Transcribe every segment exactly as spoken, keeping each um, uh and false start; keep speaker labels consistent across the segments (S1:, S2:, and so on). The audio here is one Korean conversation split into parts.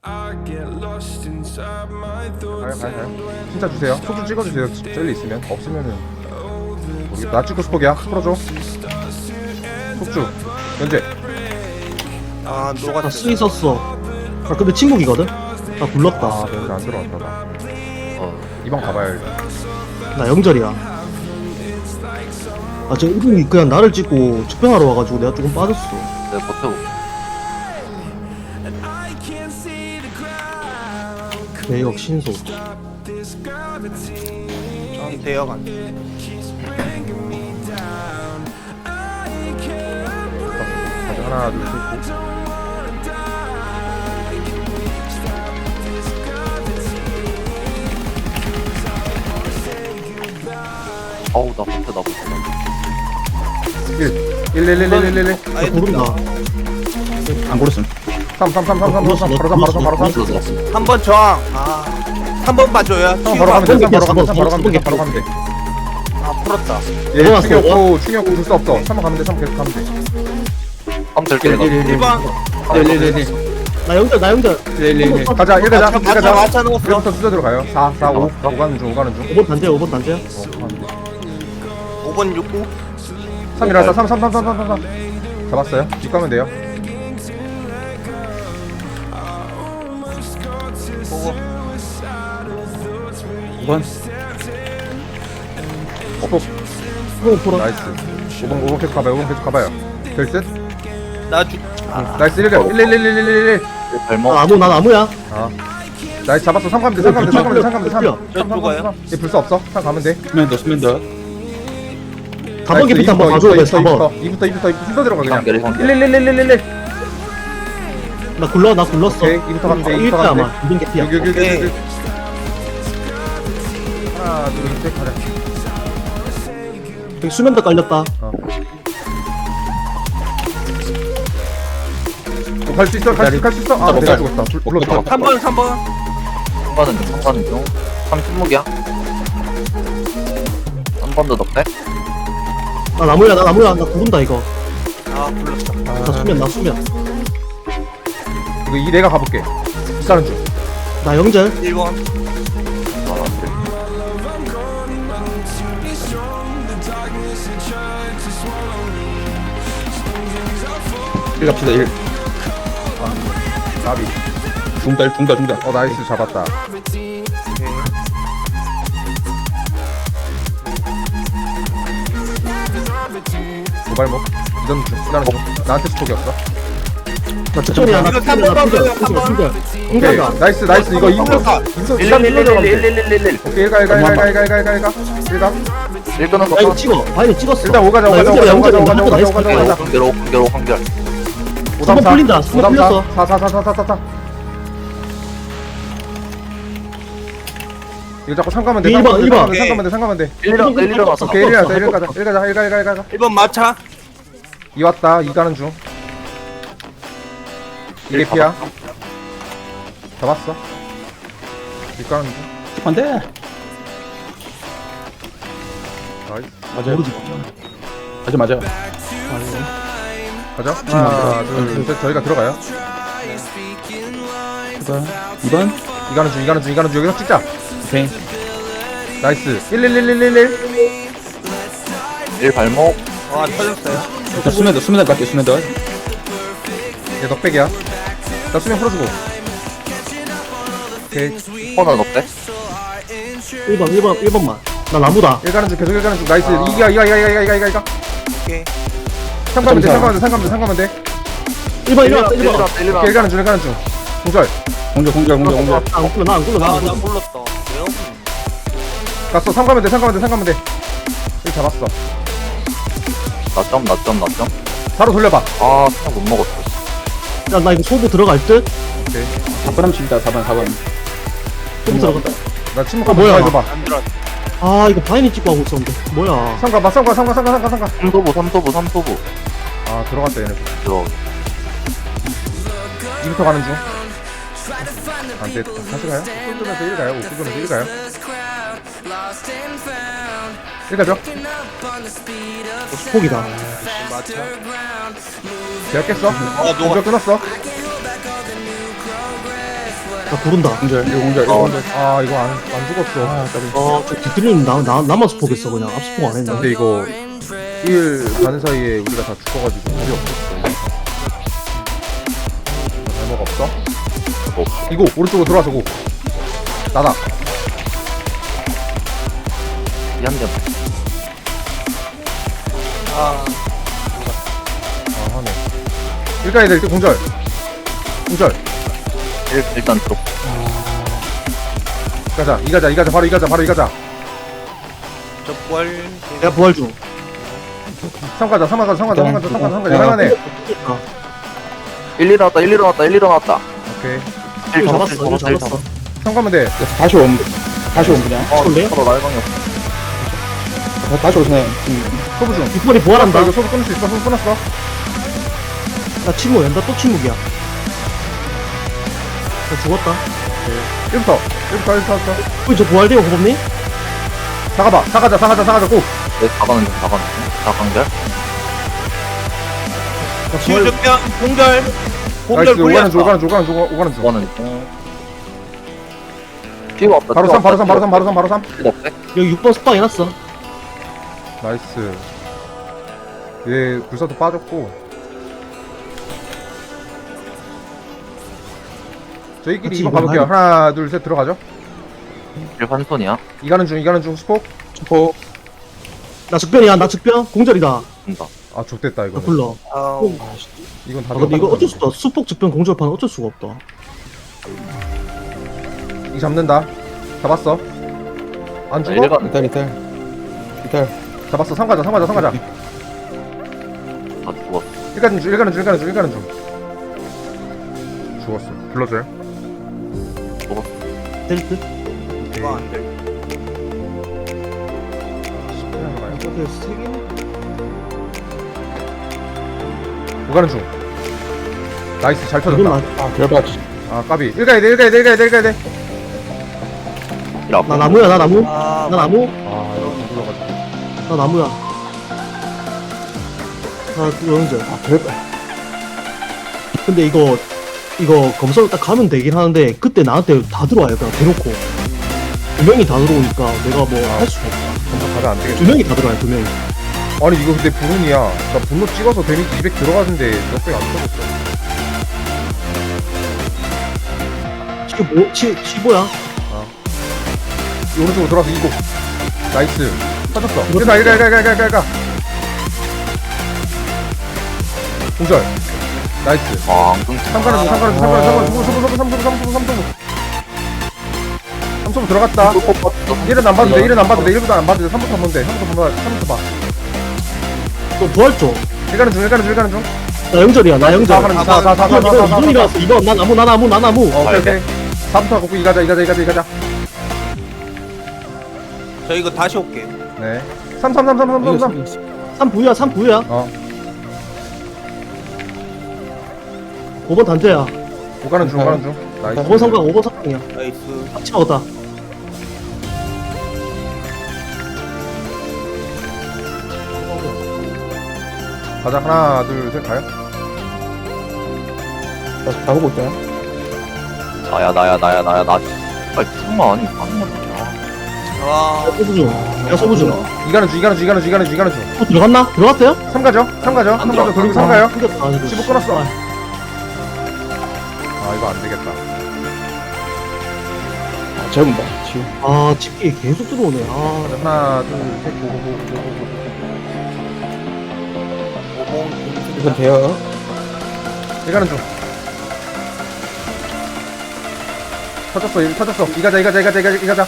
S1: I get lost inside my
S2: 가요
S1: thoughts
S2: 가요
S1: and
S2: 가요 진짜 주세요. 속주 찍어주세요. 젤리 있으면. 없으면은 모르겠다. 나 찍고 스폭이야. 풀어줘. 속주 연재.
S3: 아
S4: 나
S3: 녹았어.
S4: 쓰이 썼어. 아 근데 친구이거든? 나 굴렀다.
S2: 아 연재 안 들어왔다 나. 어 이번 가봐요 일단.
S4: 나 영절이야. 아 저 이분이 그냥 나를 찍고 측병하러 와가지고 내가 조금 빠졌어.
S5: 내가 버텨볼게.
S4: 대역 신소.
S3: 형 대여간.
S2: 가자 하나 둘셋
S5: 어우 나 버텨 나 버텨.
S2: 일 일 일 일 일 일 일
S4: 나 고른다.
S6: 안 고르음.
S2: 삼 삼 삼 삼 삼 삼 바로 삼 바로 삼 바로 삼.
S5: 들었어 들었어.
S3: 한 번 저항. 아. 한 번 봐줘요.
S2: 삼 바로 가면 돼. 삼 바로 가면 돼. 삼 바로 가면 돼. 삼 바로 가면 돼.
S3: 아 풀었다.
S2: 얘
S4: 넘어갔어.
S2: 충이 없고 충이 없고 불수 없어. 삼 번 가면 돼. 삼 번 계속 가면 돼.
S5: 한번 될게 내가.
S3: 일 번.
S4: 나 영절 나 영절.
S2: 가자 일 가자 일
S3: 맞춰
S2: 가자.
S3: 맞춰 놓았어.
S2: 일부터 수저 들어가요. 사 사 오 오 가는 중 오 가는 중.
S4: 오 번 단제야 오 번 단제야.
S2: 어 가면 돼.
S3: 오 번 육구.
S2: 삼이라서 삼 삼 삼 삼 삼 삼 잡았어요. 뒷 가면 돼요.
S3: 보고.
S6: 오 번.
S2: 스폭
S4: 오 풀어.
S2: 나이스. 오 번 오 번 계속 가봐요. 오 번 계속 가봐요. 될듯.
S3: 나 주.
S2: 나이스 일 일 일 일 일 일 일.
S5: 발목.
S4: 나 나무 나 나무야.
S2: 아 나이스 잡았어. 삼 가면 돼. 삼 가면 돼. 삼 가면 돼. 삼 가면 돼. 삼
S4: 풀려.
S2: 삼 삼 삼 삼. 얘 불수 없어. 삼 가면 돼.
S6: 수면 더 수면 더.
S4: 사 번 개피 한번 봐줘야 돼. 사 번.
S2: 이부터 이부터 이부터 순서 들어가 그냥.
S5: 이번
S2: 일 일 일 일 일 일.
S4: 나 굴러 나 굴렀어.
S2: 오케이 이부터 가면 돼.
S4: 일
S2: 이부터
S4: 대
S2: 가면
S4: 아마. 이번 개피야.
S2: 돼. 여기 여기 여기
S3: 오케이.
S2: 여기. 하나 둘셋 가자.
S4: 여기 수면도 깔렸다.
S2: 갈 수 있어? 갈 수 갈 수 있어? 아 내가 죽었다. 불- 불렀어.
S3: 삼 번 삼 번.
S5: 삼 가는 중, 삼 가는 중. 삼 침묵이야. 한 번 더 넉대.
S4: 나 나무야 나 나무야 나 구른다 이거.
S3: 아 불렀어.
S4: 나 수면 나 수면.
S2: 이거 이 내가 가볼게. 일단은 중.
S4: 나 영절.
S3: 일 번.
S5: 아, 안 돼.
S6: 일 갑시다 일.
S2: 나비.
S6: 중달 중달 중달.
S2: 어 나이스 잡았다. 도발목. 이전 중. 일단은 중. 나한테 스톡이 없어.
S4: 나 특별이야 나
S3: 이거
S4: 특별이야 나
S3: 삼 번
S4: 특별.
S3: 봐줘요, 삼 번.
S4: 특별.
S2: 오케이.
S4: 인간가.
S2: 나이스 나이스 이거 인서 인서 일단 일로 들어가면 돼.
S5: 일일일일일일일일일.
S2: 오케이 일가 일가 일가 일가 일가 일가 일가 일가.
S5: 일 끄는 거.
S4: 나 이거 찍어. 바이는 찍었어.
S2: 일단 오가자
S4: 나
S2: 오가자
S4: 영절이야
S2: 오가자 오가자
S4: 영절이야.
S2: 오가자 오가자
S4: 나이스.
S2: 오가자.
S5: 한결 한결 한결.
S4: 삼 번 풀린다. 삼 번 풀렸어.
S2: 사사사사사사사. 이거 자꾸 삼 가면 돼.
S4: 일 번, 일 번.
S2: 삼 가면 돼. 삼 가면 돼.
S5: 일 일 일 일어났어.
S2: 오케이 일 가자 일 가자 일 가자 일 가 일 가 일 가.
S3: 일 번 마차.
S2: 이 왔다. 이 가는 중. 이게 피야. 잡았어. 이 가는 중.
S6: 안돼.
S2: 나이스.
S6: 맞아요. 맞아 맞아.
S2: 가자. 하나, 둘, 셋. 저희가 들어가요.
S6: 이 번.
S2: 이 가는 중, 이 가는 중, 이 가는 중. 여기서 찍자.
S6: 오케이.
S2: 나이스. 일 일 일 일 일 일.
S5: 일 발목.
S3: 와 터졌어요.
S6: 일단 수면 더 수면 더 갈게 수면 더.
S2: 얘 넉백이야. 나 수면 풀어주고. 오케이.
S5: 코너 넉대.
S4: 일 번 일 번 일 번만. 나 나무다.
S2: 일 가는 중, 계속 일 가는 중. 나이스. 이기야, 이가, 이가, 이가, 이가, 이가, 이가.
S3: 오케이.
S2: 삼 가면 돼, 삼 가면 돼, 삼 가면 돼, 삼 가면 돼.
S4: 일 번 일 번 일 번.
S5: 일
S2: 오케이, 일
S5: 일
S2: 가는 중, 일 가는 중. 공절.
S6: 공절 공절 공절 공절.
S4: 나안 굴러 나안 굴러 나안
S3: 아나
S4: 굴러.
S3: 불렀다. 왜요?
S2: 갔어. 삼 가면 돼, 삼 가면 돼, 삼 가면 돼. 일 잡았어.
S5: 나점 나점 나점.
S2: 바로 돌려봐.
S5: 아 그냥 못 먹었어.
S4: 야나 이거 소부 들어갈 듯.
S2: 오케이.
S6: 사 번 하면 다 사 번 사 번.
S4: 소부 들어갔다.
S2: 나 침묵
S4: 어,
S2: 한번
S4: 뭐야?
S2: 해줘봐.
S3: 안 들어.
S4: 아 이거 바이니 찍고 하고 있었는데. 뭐야?
S2: 삼 가봐, 삼 가, 삼 가, 삼 가, 삼 가, 삼 가.
S5: 삼도부 삼도부 삼도부.
S2: 아, 들어갔다, 얘네.
S5: 들어.
S2: 이부터 가는 중. 안 돼. 다시 가요? 오 분 일 가요? 오 분 일 가요? 일 가죠?
S4: 폭이다.
S3: 마차.
S2: 제가 깼어.
S3: 아
S2: 공격
S3: 녹아.
S2: 끊었어.
S4: 나 구른다.
S6: 공절 이거 공절 이거
S5: 어.
S6: 공절.
S2: 아 이거 안, 안 죽었어.
S6: 아 까비.
S4: 아저 뒤틀림 나, 나 나만 스포겠어 그냥 앞스포 안 했네.
S2: 근데 이거 일 가는 사이에 우리가 다 죽어가지고 답이 없었어. 잘못 없어?
S5: 뭐.
S2: 이거 오른쪽으로 들어와서 고. 나다.
S5: 미안미안.
S3: 아,
S2: 아 하네. 일가야 될 때 공절. 공절.
S5: 일, 일단 들어.
S2: 가자. 이 가자. 이 가자. 바로 이 가자. 바로 이 가자.
S3: 저 부활.
S4: 내가 부활 중.
S2: 삼 가자. 삼 가자. 삼 가자. 삼 가자. 삼 가자. 삼 가자. 할만해.
S4: 아,
S5: 일, 일 나왔다, 일, 일 나왔다, 일, 일 나왔다.
S2: 오케이.
S5: 일
S4: 잡았어,
S5: 잡았어,
S4: 이거
S5: 일
S4: 잡았어.
S2: 삼 가면 돼.
S6: 다시 옴 다시 옴 그냥.
S5: 어,
S4: 올래?
S5: 서로 날방이 없어.
S6: 다- 다시 오시네. 음.
S2: 소부 중.
S4: 뒷발이 부활한다.
S2: 이거 소부 끊을 수 있어. 소부 끊었어.
S4: 나 침묵 연다 또 침묵이야. 나 죽었다.
S2: 일부터. 일부터. 일부터. 일부터.
S4: 우리 저 부활돼요 고범님?
S2: 사가봐. 사가자. 사가자. 사가자. 고.
S5: 내 사가는 중, 사가는 중. 사강절.
S3: 치유적병 공절. 공절
S2: 나이스. 오가는 중.
S3: 굴렸어.
S2: 오가는 중. 오가는 중. 오가는 중.
S5: 사가는 중. 피가 없다,
S2: 바로
S5: 피가
S2: 삼. 바로
S5: 없다,
S2: 삼. 바로 삼. 바로 삼. 바로 삼.
S5: 피가 없대?
S4: 여기 육 번 스파 해놨어.
S2: 나이스. 얘 불사도 빠졌고. 저희끼리
S4: 같이
S2: 이번
S4: 이번
S2: 가볼게요.
S4: 하자.
S2: 하나, 둘, 셋 들어가죠.
S5: 일 환손이야.
S2: 이가는 중, 이가는 중, 스포.
S6: 스포.
S4: 나 즉변이야 나 즉변 공절이다.
S5: 된다.
S2: 아, 좆됐다,
S4: 나
S2: 이거.
S4: 불러.
S3: 아,
S2: 이건 다
S4: 아 근데 이거 어쩔 수 없다. 수폭 즉변 공절판 어쩔 수가 없다.
S2: 이 잡는다. 잡았어. 안
S5: 자,
S2: 죽어?
S5: 일반
S6: 이탈 이탈. 이탈.
S2: 잡았어. 삼 가자, 삼 가자, 삼 가자.
S5: 다 죽었어.
S2: 일가는 중, 일가는 중, 일가는 중, 일가는 중. 죽었어. 불러줘요.
S4: 될 듯?
S2: 오케이.
S3: 이거 안 돼.
S2: 그냥 가요.
S4: 이거 세 개?
S2: 오가는 중. 나이스, 잘
S4: 이건
S2: 터졌다.
S4: 나,
S6: 아 결받.
S2: 아, 까비. 일가야 돼, 일가야 돼, 일가야 돼, 일가야 돼.
S5: 일 아파.
S4: 나 나무야 나 나무.
S3: 아,
S4: 나 나무.
S2: 아, 여기 불러가지고.
S4: 나 나무야. 나 영절.
S6: 아 결받.
S4: 근데 이거 이거 검사로 딱 가면 되긴 하는데 그때 나한테 다 들어와요 그냥 대놓고 두 명이 다 들어오니까 내가 뭐 할 수가 없다.
S2: 점점 가면 안 되겠다.
S4: 두 명이 다 들어와요 두 명이.
S2: 아니 이거 근데 불운이야. 나 분노 찍어서 데미지 이백 들어가는데 몇백안 떨어졌어.
S4: 지금 뭐 치, 치보야?
S2: 이 오른쪽으로 돌아서 이고. 나이스. 터졌어. 일가 일가 일가 일가 일가 일가. 공절. 나이스.
S5: 아, 안 끊겨.
S2: 삼가는 중 삼가는 중 삼가는 중 삼가는 중 삼 소부 삼 소부 삼 소부 삼 소부 삼 소부 들어갔다. 일은 안 봐도 돼. 일은 안 봐도 돼. 일부터 안 봐도 돼. 삼부터 보면 돼. 삼부터 보면 삼부터 봐.
S4: 또 부활 쪽.
S2: 일가는 중 일가는 중 일가는 중.
S4: 나 영절이야 나 영절.
S2: 사가는 중. 사 사 사 사
S4: 이번
S2: 사
S4: 이번
S2: 사
S4: 이번 일어났어 이번 나 나무 나 나무 나 나무.
S2: 어, 오케이 오케이. 사부터 갖고 이 가자 이 가자 이 가자 이 가자.
S3: 저 이거 다시 올게.
S2: 네. 삼 삼 삼 삼 삼 삼 삼.
S4: 삼 부야 삼 부야.
S2: 어.
S4: 오 번 단죄야.
S2: 오가는 중 오가는 중. 나이스.
S4: 오 번 성광 오 번 성광이야.
S3: 나이스.
S4: 같이 먹었다.
S2: 가자 하나 둘 셋 가요.
S6: 다 가보고 있잖아.
S5: 나야, 나야, 나야, 나야, 나. 빨리 죽으면 아니, 가는 거야.
S3: 와,
S4: 소부 중. 야 소부 중.
S2: 이가는 중 이가는 중 이가는 중 이가는 중 이가는 중.
S4: 또 들어갔나? 들어갔어요?
S2: 삼 가죠? 삼 가죠? 삼 가죠? 돌리고 삼 가요?
S4: 끊겼다. 아이고.
S2: 십오 끊었어. 아 이거 안 되겠다.
S6: 아 재본다. 지우.
S4: 아 집기 계속 들어오네. 아
S2: 하나 둘 셋 고고고고고.
S3: 오봉
S6: 이건 돼요.
S2: 이가는 중. 터졌어 일 터졌어. 이 가자 이 가자 이 가자 이 가자 이 가자.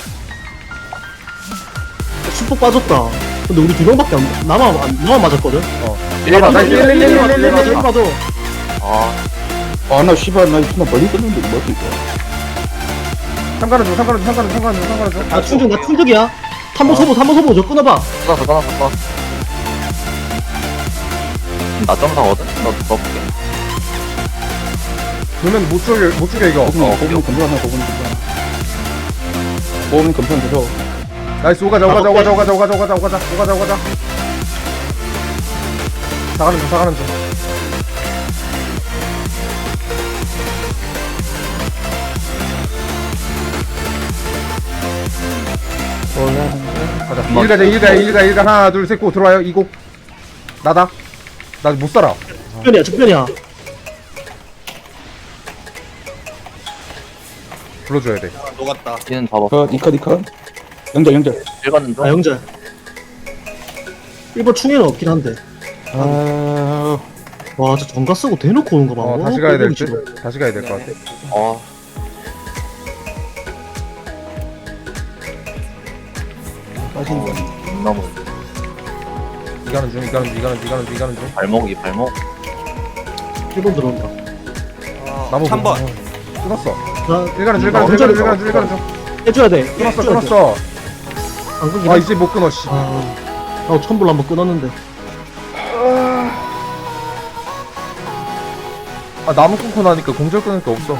S4: 수폭 빠졌다. 근데 우리 두 명밖에 안 나만 안- 나만 맞았거든.
S2: 어.
S5: 일 번,
S2: 나이스, 일, 일, 일, 일, 일, 일, 일, 일.
S4: 일 봐도
S5: 아,
S6: 아나 씨발 나 이거 멀리 떴는데 뭐지 이거.
S2: 삼 가는 중 삼 가는 중 삼 가는 중 삼 가는 중 삼 가는 중.
S4: 나 충전 나 충격이야. 탐보 소보 탐보 소보 저 끊어봐.
S5: 끊었어, 끊었어, 끊었어. 나 점사거든? 너 넣어볼게.
S2: 그러면 못 죽여 못 죽여 이거.
S6: 고분 고분 검사하나 고분 검사. 고분 검사 되죠.
S2: 나이스 오가자 오가자 오가자 오가자 오가자 오가자 오가자 오가자 오가자. 사가는 중 사가는 중. 가자.
S5: 한번
S2: 일 가자, 일 가, 일 가, 일 가. 하나, 둘, 셋, 고 들어와요. 이고. 나다. 나 못 살아.
S4: 적변이야 적변이야.
S2: 불러줘야 돼.
S3: 아, 녹았다.
S5: 얘는 잡았어.
S6: 컷, 이컷, 이컷. 영절, 영절.
S5: 일 가는 중.
S4: 아 영절. 일 번 충에는 없긴 한데.
S6: 아,
S4: 와, 저 전가 쓰고 대놓고 오는 거 봐.
S2: 어,
S4: 와,
S2: 다시 가야 될
S4: 꼴보기
S2: 듯. 다시 가야 될 것 같아.
S5: 아,
S6: 빠진 거.
S5: 너무
S2: 이가는 중, 이가는 중, 이가는 중, 이가는 중, 이가는 중.
S5: 발목이 발목.
S4: 일 번 들어온다.
S3: 아,
S2: 나무
S3: 삼 번.
S2: 끊었어.
S4: 나
S2: 일가는 중, 일가는 중, 일가는 중, 일가는 중, 일가는 중.
S4: 해줘야 돼.
S2: 끊었어,
S4: 해줘야 돼.
S2: 끊었어.
S4: 안 끊기나?
S2: 아, 이제 못 끊어, 씨.
S4: 아, 나 천불 한번 끊었는데.
S2: 아, 나무 끊고 나니까 공절 끊을 게 없어.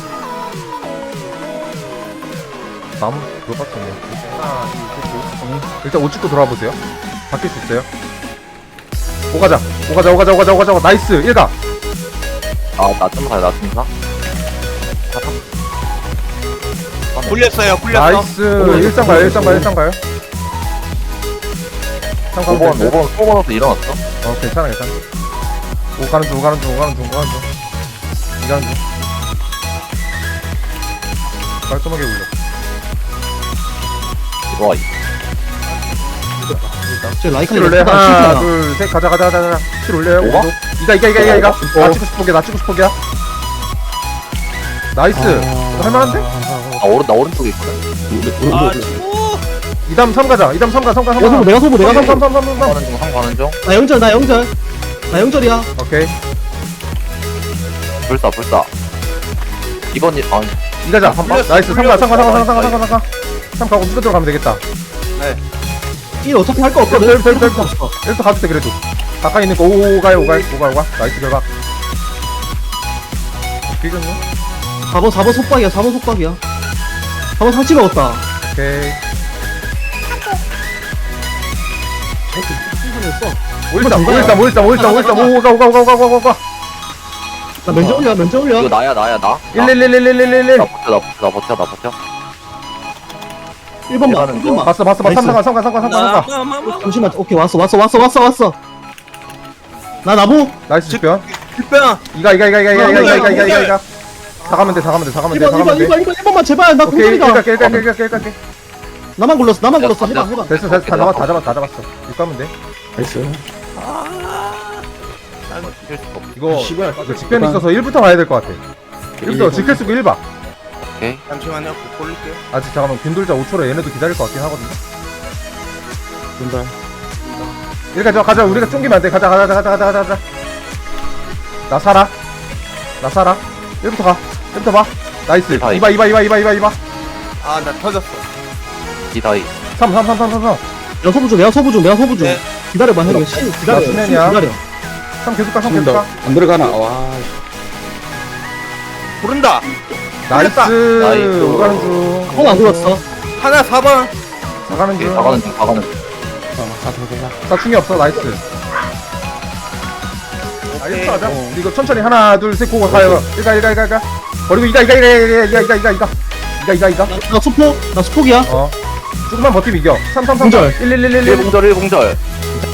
S2: 나무 그거 같았네. 하나, 둘, 셋, 고. 일단 옷 찍고 돌아와 보세요. 바뀔 수 있어요. 오가자, 오가자, 오가자, 오가자, 오가자, 오가자. 나이스, 일가.
S5: 아, 나좀 가요, 나좀 가.
S3: 굴렸어요. 굴렸어.
S2: 나이스. 일상 가요, 일상 가요, 일상 가요.
S5: 오 번, 오 번, 오 번에서 일어났어.
S2: 어, 괜찮아, 괜찮아. 오 가는 중, 오 가는 중, 오 가는 중, 오 가는 중. 이 가는 중. 깔끔하게 굴려.
S5: 들어와.
S4: 저 라이카
S2: 킬 올려. 하나, 둘, 셋, 가자, 가자, 가자, 가자. 킬 올려요.
S5: 오가?
S2: 이가, 이가, 이가, 이가, 이가.
S6: 어.
S2: 나 찍고 싶은 게, 나 찍고 싶은 게야. 나이스. 이거 할만한데?
S5: 아, 오른, 나 오른쪽에 있거든.
S3: 아, 치고.
S2: 이담 삼 가자. 이담 삼 가, 삼 가, 삼
S4: 내가
S2: 가.
S4: 소부, 내가 소부, 내가
S2: 삼,
S4: 소부.
S2: 삼, 삼, 삼, 삼, 삼.
S5: 가는 중, 한 가는 중.
S4: 나 영절, 나 영절. 나 영절이야.
S2: 오케이.
S5: 불사, 불사. 이번 일, 아,
S2: 이 가자.
S3: 한 번.
S2: 나이스. 삼 가, 삼 가, 삼 가, 삼 가, 삼 가, 삼 가, 삼 가. 삼 가고 무조건 들어가면 되겠다.
S4: 일 어차피 할 거 없거든.
S2: 별, 별, 별,
S4: 할 거 없어.
S2: 일도 가도 돼, 그래도. 가까이 있는 거, 오, 가요, 오, 가요, 오, 가요, 오, 가. 나이스 결과. 길겠네?
S4: 사 번, 사 번 속박이야, 사 번 속박이야. 사 번 상치 먹었다.
S2: 오케이.
S4: 했어.
S2: 오일삼, 오일삼, 오일삼, 오일삼, 오일삼, 오, 가, 오, 가, 오, 가, 오, 가, 오, 가.
S4: 나 면접 올려, 면접 올려.
S5: 이거 나야, 나야, 나.
S2: 일, 일, 일, 일, 일, 일, 일.
S5: 나 버텨, 나 버텨, 나 버텨, 나 버텨.
S4: 일 번만,
S5: 가는
S4: 일 번만.
S2: 봤어, 봤어, 봤어.
S4: 나이스.
S2: 삼 가, 삼 가, 삼 가, 삼 가, 삼 가.
S3: 마, 마, 마.
S4: 잠시만, 오케이, 왔어, 왔어, 왔어, 왔어, 왔어. 나 나무.
S2: 나이스 집변.
S3: 뒷변.
S2: 이가, 이가, 이가, 이가, 이가, 이가, 이가, 이가, 이가, 이가. 다 가면 돼, 다 가면 돼, 다 가면 돼,
S4: 일
S2: 다
S4: 번, 일 번,
S2: 가면 돼.
S4: 일 번, 일 번, 일 번만 제발. 나
S2: 오케이,
S4: 공격이다.
S2: 일가, 일가, 일가, 일가, 일가, 일가.
S4: 나만 굴렀어, 나만
S5: 야,
S4: 굴렀어. 해봐,
S5: 야,
S4: 해봐.
S2: 됐어, 됐어, 다 잡았, 다 잡았, 다 잡았어. 이거 하면 돼.
S6: 나이스.
S5: 칠 수가 없어.
S2: 이거,
S6: 씨발.
S2: 이거 직변이 있어서 일부터 가야 될 것 같아. 일부터 직결 쓰고 일 봐.
S5: 오케이.
S3: 잠시만요. 돌릴게요.
S2: 아직 잠깐만, 균돌자 오 초로 얘네도 기다릴 것 같긴 하거든요.
S6: 분발.
S2: 일 가자, 가자. 우리가 쫑기면 안 돼. 가자, 가자, 가자, 가자, 가자, 가자. 나 살아. 나 살아. 일부터 가. 일부터 봐. 나이스.
S5: 이봐,
S2: 이봐, 이봐, 이봐, 이봐, 이봐, 이봐.
S3: 아, 나 터졌어.
S5: 기다이.
S2: 삼, 삼, 삼, 삼, 삼, 삼.
S4: 내가 소부 중, 내가 소부 중, 내가 소부 중.
S3: 네.
S4: 기다려봐, 형. 신, 기다려.
S2: 나
S4: 신
S2: 수면이야.
S4: 기다려.
S2: 삼 계속 가, 삼 계속 가.
S6: 안 들어가나? 와.
S3: 부른다.
S2: 나이스.
S5: 나이스.
S2: 오가는 중.
S4: 형 안 굴렀어.
S3: 하나 사 번.
S2: 나가는
S5: 오케이,
S2: 중.
S5: 다 가는 중, 다 가는 중.
S6: 어, 가서 보자.
S2: 나 충이 없어. 나이스. 나이스 하자. 이거 천천히 하나, 둘, 셋, 고고 가요. 일가, 일가, 일가, 일가. 버리고 이가, 이가, 이가, 이가, 이가, 이가, 이가, 이가. 이가, 이가, 이가.
S4: 나, 나 수폭, 나 수폭이야.
S2: 어. 조금만 버티면 이겨. 삼, 삼, 삼.
S4: 공절.
S2: 일, 일, 일, 일,
S5: 일
S2: 일.
S5: 공절, 일 공절.